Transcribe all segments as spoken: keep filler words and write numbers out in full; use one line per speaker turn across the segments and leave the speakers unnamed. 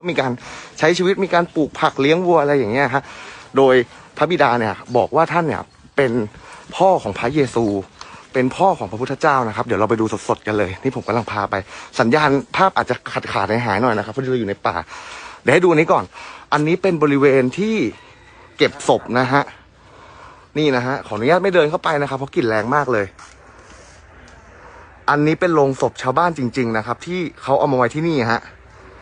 มีการใช้ชีวิตมีการปลูกผักเลี้ยงวัวอะไรอย่างเงี้ยฮะโดยพระบิดาเนี่ยบอกว่าท่านเนี่ยเป็นพ่อของพระเยซูเป็นพ่อของพระพุทธเจ้านะครับเดี๋ยวเราไปดูสดๆกันเลยนี่ผมกำลังพาไปสัญญาณภาพอาจจะขาดขาดหายๆหน่อยนะครับเพราะเราอยู่ในป่าเดี๋ยวให้ดูนี้ก่อนอันนี้เป็นบริเวณที่เก็บศพนะฮะนี่นะฮะขออนุญาตไม่เดินเข้าไปนะครับเพราะกลิ่นแรงมากเลยอันนี้เป็นโรงศพชาวบ้านจริงๆนะครับที่เขาเอามาไว้ที่นี่ฮะ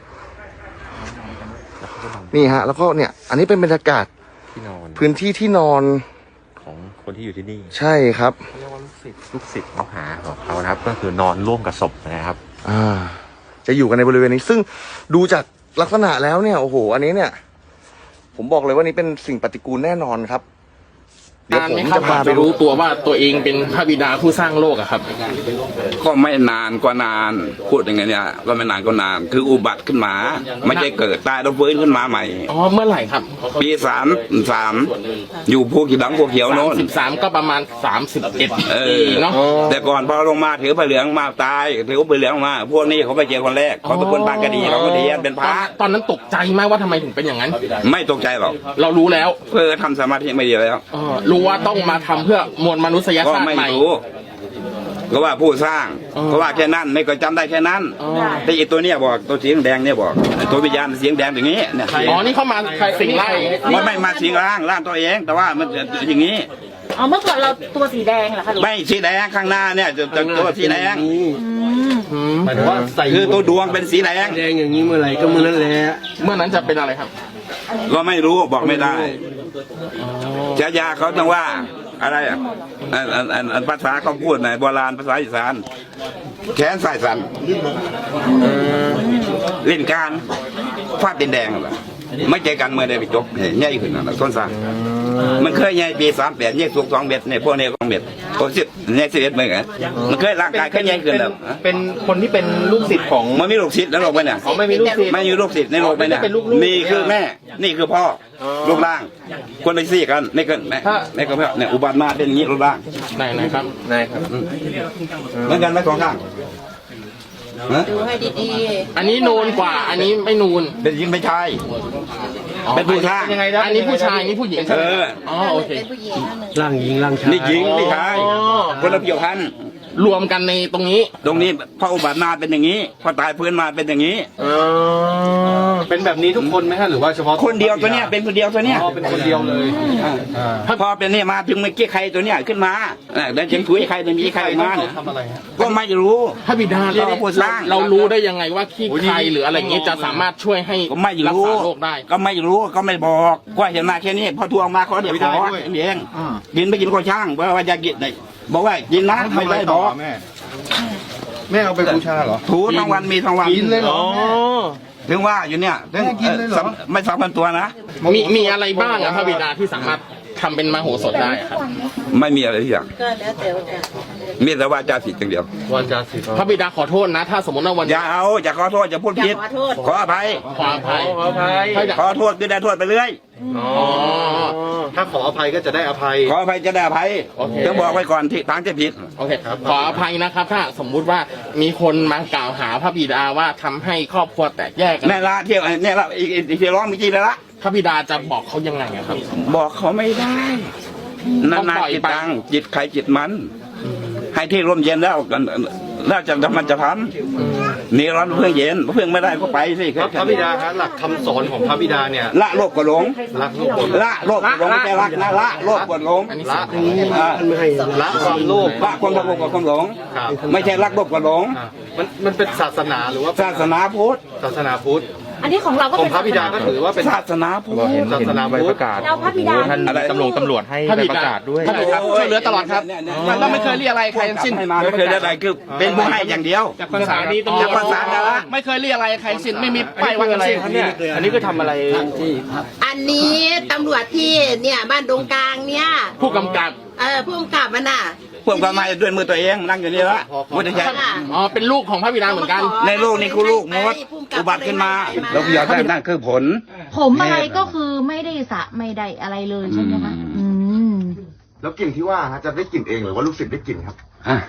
นี่ฮะแล้วก็เนี่ยอันนี้เป็นบรรยากาศที่นอนพื้นที่ที่นอน
ของคนที่อยู่ที่นี่
ใช่ครับ
เรียกว่าลูกศิษย์ลูกศิษย์มหาของเขานะครับก็คือนอนร่วมกับศพนะครับ
อ่าจะอยู่กันในบริเวณนี้ซึ่งดูจากลักษณะแล้วเนี่ยโอ้โหอันนี้เนี่ยผมบอกเลยว่านี้เป็นสิ่งปฏิกูลแน่นอนครับ
เดี๋ยวผมจะพาไปรู้ตัวว่าตัวเองเป็นพระบิดาผู้สร้างโลกอะครับ
ก็ไม่นานก็นานพูดยังไงเนี่ยก็ไม่นานก็นานคืออุบัติขึ้นมาไม่ใช่เกิดตายแล้วฟื้นขึ้นมาใหม่
อ๋อเมื่อไหร่ครับ
ปีสามสามอยู่ภูขีดังภูเขียวโน้น
สิบสามก็ประมาณสามสิบเอ็ดปีเนาะ
แต่ก่อนพอลงมาถือผ้าเหลืองมาตายถือผ้าเหลืองมาพวกนี้เขาไปเจอคนแรกเขาเป็นคนปางกระดีเราก็ดีเป็นพระ
ตอนนั้นตกใจมากว่าทำไมถึงเป็นอย่างนั้น
ไม่ตกใจหรอก
เรารู้แล้ว
เพื่อทำสมาธิไม่ดีแล้ว
รู้ว่าต้องมาทำเพื่อมวลมนุษยชาติใหม่
ก็ว่าผู้สร้างก็ว่าแค่นั้นไม่ก็จำได้แค่นั้นแต่อีตัวเนี้ยบอกตัวสีแดงเนี่ยบอกตัววิญญาณสีแดงอย่างนี้เนี่ย
อ๋อนี่เข้ามาสิงร่าง
มันไม่มาสิงร่างร่างตัวเองแต่ว่ามันอย่างนี้
อ๋อเมื่อก่อนเราตัวสีแดงเหรอคะ
ไม่สีแดงข้างหน้าเนี่ยจะตัวสีแดง
หมายถึงว่า
คือตัวดวงเป็นสีแดง
แดงอย่างนี้เมื่อไหร่ก็เมื่อนั้นแหละ
เมื่อนั้นจะเป็นอะไรครับ
ก็ไม่รู้บอกไม่ได้ฉายาเขาต้องว่าอะไรอ่ะอันอันอันภาษาเขาพูดในโบราณภาษาอีสานแขนสายสันเล่นการฟาดดินแดงเหรอไม่เจอกันเมื่อใดไปจบใหญ่ขึ้นนะต้นสางมันเคยใหญ่ปีสามแปดใหญ่สูงสองเมตรเนี่ยพวกนี้สองเมตรโอ้สิบใหญ่สิบเอ็ดเหมือนกันมันเคยร่างกายเคยใหญ่ขึ้นแล้ว
เป็นคนที่เป็นลูกศิษย์ของ
มันมีลูกศิษย์แล้วโลกไปเนี่ย
ไม่มีลูกศิษย์
ไม่มีลูกศิษย์ในโลกไปเนี่ยนี่คือแม่นี่คือพ่อรูปร่างคนละสี่กันนี่ก็แม่นี่ก็พ่อเนี่ยอุบัติมาเป็นอย่างนี้รูปร่าง
ไหนไหนครับ
ไหนครับ
เหมือนกันไหมสองข้าง
ดูให้ดี
ๆอันนี้นูนกว่าอันนี้ไม่นูน
เป็นยิงไม่ใช่เป็นผู้ชาย
ยังไงนะอันนี้ผู้ชายนี่ผู้หญิงใช่ไหมอ๋อโอเค
ร่างหญิงร่างชาย
นี่หญิงนี่ชายคนละเกี่ยวพัน
รวมกันในตรงนี้
ตรงนี้พออุบัติมาเป็นอย่างนี้พอตายพื้นมาเป็นอย่างนี้
เป็นแบบนี้ทุกคนไหมฮะหรือว่าเฉพาะ
คนเดียวตัวเนี้ยเป็นคนเดียวตัวเนี้ย
เป็นคนเดียวเลย
ถ้าพอเป็นนี่มาถึงเมื่อกี้ใครตัวเนี้ยขึ้นมาแล้วยังถุยใครตัวนี้ใครมา
ทำอะไร
ก็ไม่รู้
พระบิดาเราเรารู้ได้ยังไงว่าขี้ใครหรืออะไรเงี้ยจะสามารถช่วยให้รักษาโรคได้
ก็ไม่รู้ก็ไม่บอกก็เห็นมาแค่นี้พอทวงมาเขาเดี๋ยวขอเองกินไม่กินก็ช่างเพราะว่าจะกินบอกว่ากินนะไม่ได้บอก
แม่แม่เอาไปบูชาเหรอ
ถูทั้งวันมีทั้งวัน
กินเลยเหรอ
ถึงว่าอยู่เนี่ยไม่สามพันตัวนะ
มีมีอะไรบ้างอะพระบิดาที่สามารถทำเป็นมโหสถได้ครับ
ไม่มีอะไรที่อย่าง
ก็แล้วแต่ว่า
มีแต่ว่าจาสิทธิ์อย่างเดียว
ว่าจาสิทธิ์
พระบิดาขอโทษนะถ้าสมมติว่าวัน
อย่าเอาอย่าขอโทษอย่าพูดผิดขออภัย
ขออภัย
ขออภัยขอโทษก็ได้โทษไปเรื่อย
ถ้าขออภัยก็จะได้อภัย
ขออภัยจะได้อภัยต้องบอกไว้ก่อนที่ทางจะผิด
โอเคขออภัยนะครับถ้าสมมุติว่ามีคนมากล่าวหาพระบิดาว่าทำให้ครอบครัวแตกแยกกัน
แน่ละเที่ยวเนี่ยละอีกอีกร้องมีกี่แล้วละ
พระบิดาจะบอกเขายังไงครับ
บอกเขาไม่ได้นานาจิตตังจิตใครจิตมันให้ที่ร่มเย็นแล้วกันแล้วจะมันจะทำนี่ร้อนเพื่อเย็นเพื่อไม่ได้ก็ไปสิ
พระบิดาฮะหลักคำสอนของพระบิดาเนี่ย
ละโลภกดหลง
ละโลภ
ละโลภกดหลงไม่ใช่รักนะละโลภกดหลง
ละละความโลภ
ละความโลภกับความหลงไม่ใช่รักโลภกดหลง
มันมันเป็นศาสนาหรือว่า
ศาสนาพุทธ
ศาสนาพุทธ
อันนี้ของเราก็
เป็นพระบิดาก็ถือว่าเป็น
ศาสนาพุทธ
ศาสนาพุทธประกาศ
เราพระบิดา
ท่านตำรวจตำรวจให้ประกาศด้วย
ช่วยเหลือตลอดครับมันก็ไม่เคยเรียกอะไรใครทั้งสิ้น
ไม่เคยเรียกอะไรคือเป็นผู้ให้อย่างเดียว
จากภาษานี้ต้อง
จากภาษาอะไร
ไม่เคยเรียกอะไรใครสิ้นไม่มีป้ายว่าทั้งสิ้น
เนี่ยอันนี้ก็ทำอะไรที่
อันนี้ตำรวจที่เนี่ยบ้านดงกลางเนี่ย
ผู้กำกับ
เออผู้กำกับมันน่ะ
พวกก็มาด้วยมือตัวเองนั่งอยู่นี่ละพุทธเจ้า
อ๋อเป็นลูกของพระบิดาเหมือนกัน
ในลูกนี่คือลูกมดอุบัติขึ้นมาแล้วยอดได้นั่นคือผล
ผมอะไรก็คือไม่ได้สะไม่ได้อะไรเลยใช่ไหมคะอืม
แล้วกลิ่นที่ว่าจะได้กลิ่นเองหรือว่าลูกศิษย์ได้กลิ่นครับ
อ่ะ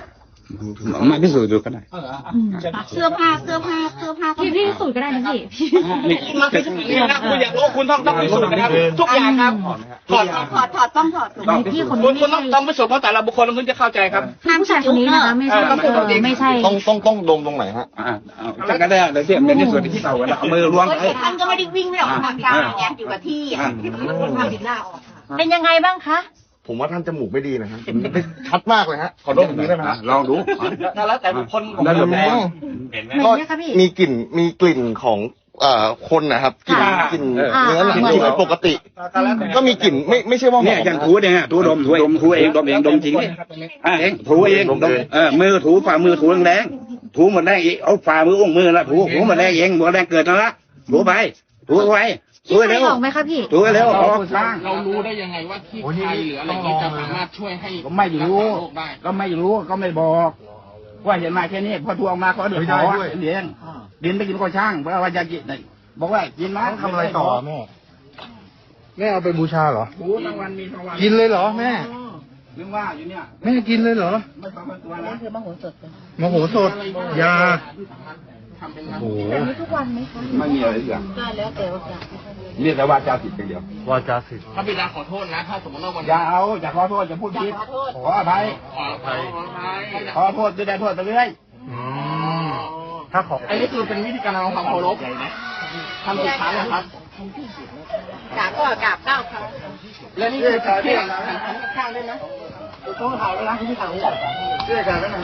มาพิสูจน์ดูก็ได้
เสื้อผ้าเสื้อผ้าเสื้อผ้าพี่พี่สูตรก็ได้นะพี่พี่
มาเป็นอย่างนี้นะคุณอยากรู้คุณต้องต้องพิสูจน์นะครับทุกอย่างครับถอด
ถอดถอดต้องถอดถูกไหมพี่คน
คุ
นี้
ณคุณต้องต้องพิสูจน์เพราะแต่ละบุคคลคุณจะเข้าใจครับ
ห้ามผู้ชายคนนี้นะคะไม่ใช่ไม่ใช่
ต้องต้องต้องดมตรงไหนฮะ
อ่าจักก็ได้เดี๋ยวเทียบเป็นที่ส่วนที่เต่ากันเอามือล้วงไป
ท่านก็ไม่ได้วิ่งไม่ออกทางกลางไงอยู่กับที่อ่ะทำดินหน้าออก
เป็นยังไงบ้างคะ
ผมว่าท่านจมูกไม่ดีนะฮะชัดมากเลยฮะขอดมตรงนี้ได้ไหมฮะ
ลองดู
แล้วแต่บุคคลของ
ได้เลย
เห็นไหม
ก็มีกลิ่นมีกลิ่นของเอ่อคนนะครับกลิ่นกลิ่นเนื้อหนังที่ไม่ปกติ ก็มีกลิ่นไม่ไม่ใช่ว่าหอ
เนี่ย
ม
อย่างถูเองอ่ะถูดมถูดมถูเองดมเองดมจริงเนี่ยอ่าเองถูเองดมเออมือถูฝ่ามือถูแรงๆถูหมดแรงอีกเอาฝ่ามืออุ้งมือละถูถูหมดแรงเองหมดแรงเกิดนั่นละถูไปถูไปถู
พี่
เร็ว
ออกไหมคะพี่
ถูเร็วออก
เรารู้ได้ยังไงว่าที่ใครหรืออะไรนี้จะสามารถช่วยให้
ก็ไม่รู้
รักษาโรคได้
ก็ไม่รู้ก็ไม่บอก ว่าเห็นมาแค่นี้พอทวงมาเขาเดือดร้อนเลี้ยงดินไปกินก็ช่างเพราะว่าจะกินบอกว่ากินมาทำอะไรต่อแม่แม่เอาไปบูชาเหรอ
โอ้ทั้งวันมีทั้งวัน
กินเลยเหรอแม่
เรื่องว่าอยู่เนี่ย
แม่กินเลยเหรอ
ไม่ต้องมาตัวนะ
คือมโหสถ
มโหสถยา
ทำเป็น
โอ้โห
แบบนี้ทุกวันไหมคะ
ไม่มีอะไรอย่าง
ก็แล้วแต่ว่าจะ
เรียกแต่ว่าเจ้าผิดไปเดียว
วาจาสิทธิ์
พระบิดาขอโทษนะ ถ้าสมมติว่าวัน
อย่าเอาอย่าขอโทษอย่าพูดผิดขออภัย
ขออภัย
ขอโทษจะได้โทษไปเรื่อยถ้าขอ
อันนี้คือเป็นวิธีการทำความเคารพทำสิบครั้งนะครับ
กราบก็กราบเก้าครั้ง
และนี่คือการที่ข้างได้ไหมต้องเผาแล้วนะที่เผา
เชื่อกันแล้วนะ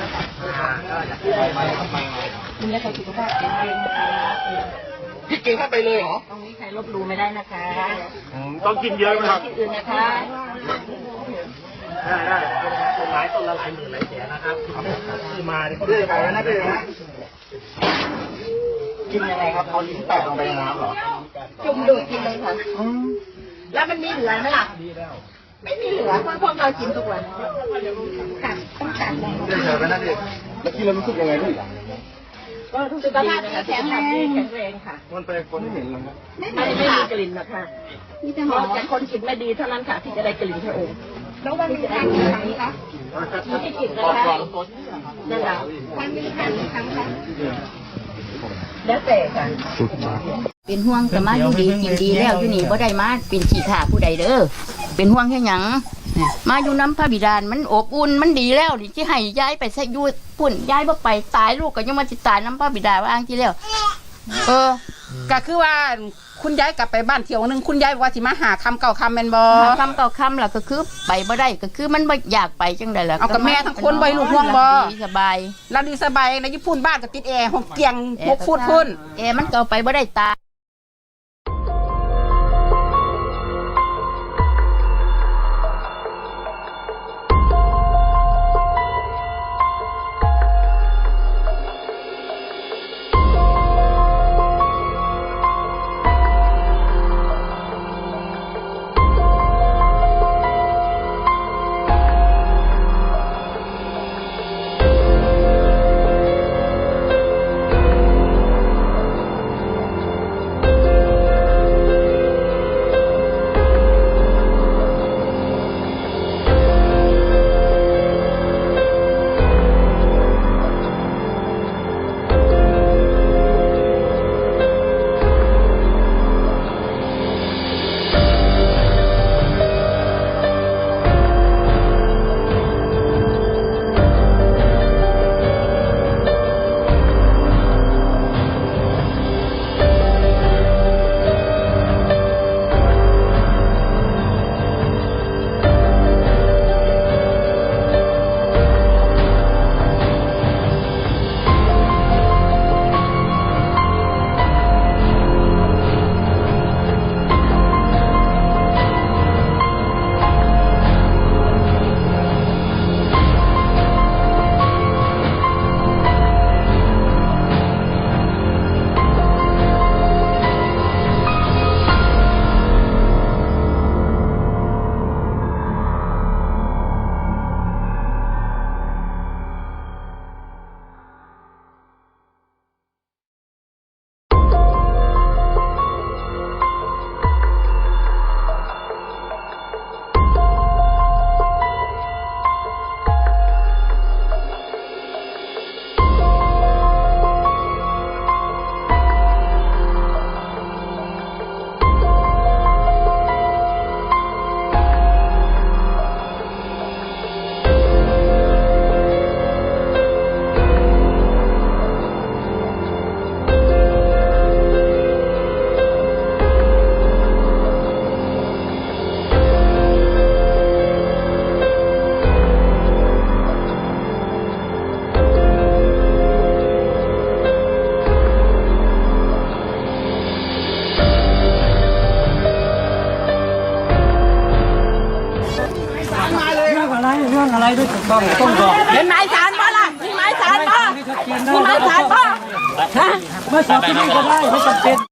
คุณจะใช้สุขภาพแข็งแรง
พี่กินเข้าไปเลยเหรอ
ตรงนี้ใครลบหลู่ไม่ได้นะคะ
ต้องกินเยอะไหมครับ
ที่อื่นนะคะ
ได้ได้ต้นไม้ต้นละหลายหมื่นหลายแสนนะครับที่มาเนี่ยเขาเรียกอะไรนะพี่นะกินยังไงครับเอาลิ้นแตะลงไปในน้ำเหรอ
จุ่มดูดกินเลยค่ะแล้วมันมีเหลือไหมล่ะไม่มีเหลือเพราะพวกเรากินทุกวันกัดต้องกัดเลย
เฉยๆไปนะพี่แล้วกินแล้วรู้สึกยังไงพี่
สุขภาพแข็งแรงแข็งแรงค่ะ
มันไปคนไม่เห็นเลยนะ
ไม่ไม่ไม่มีกลิ่นนะคะมีแต่หอมแต่คนกินไม่ดีเท่านั้นค่ะที่จะได้กลิ่นพระองค์แล้ววันนี้จะได้กี่ครั้งคะไม่ได้กลิ่นนะคะนั่นแหละวันนี้ครั้งครั้งค่ะแล้วแต่ค่ะ
เป็นห่วงแต่มาอยู่ดีกินดีแล้วอยู่นี่บ่ได้มาเป็นขี้ข่าผู้ใดเด้อเป็นห่วงแค่หยังมาอยู่น้ำพระบิดาลมันอบอุ่นมันดีแล้วนี่ที่ให้ย้ายไปซะอยู่ปุ่นย้ายบ่ไปตายลูกก็ยังมาสิตายน้ำพระบิดาว่าอ้างที่แล้ว
เออก็คือว่าคุณยายกลับไปบ้านเที่ยวหนึงคุณยายบอกว่าสิมาหาคำเก่าคำแมนบอ
หาคำเก่าคำล่ะก็คือไปบ่ได้ก็คือมันบ่อยากไปจังได๋ล่ะ
เอากับแม่ทั้งคนบ่ให้ลูกห่วงบ่
ดีสบาย
เราดีสบายในญี่ปุ่นบ้านก็ติดแอร์ห้องเตียงหกฟุตพุ่น
เอมันก็เอาไปบ่ได้ตาย
อะไรเรื่องอะไรด้วยถูกต้องต้องบอก
เห็นหมายสารบ่ล่ะมีหมายสารบ่มีหมายสารบ่
ฮะมาสอบที่นี่ก็ได้ไม่จำเป็น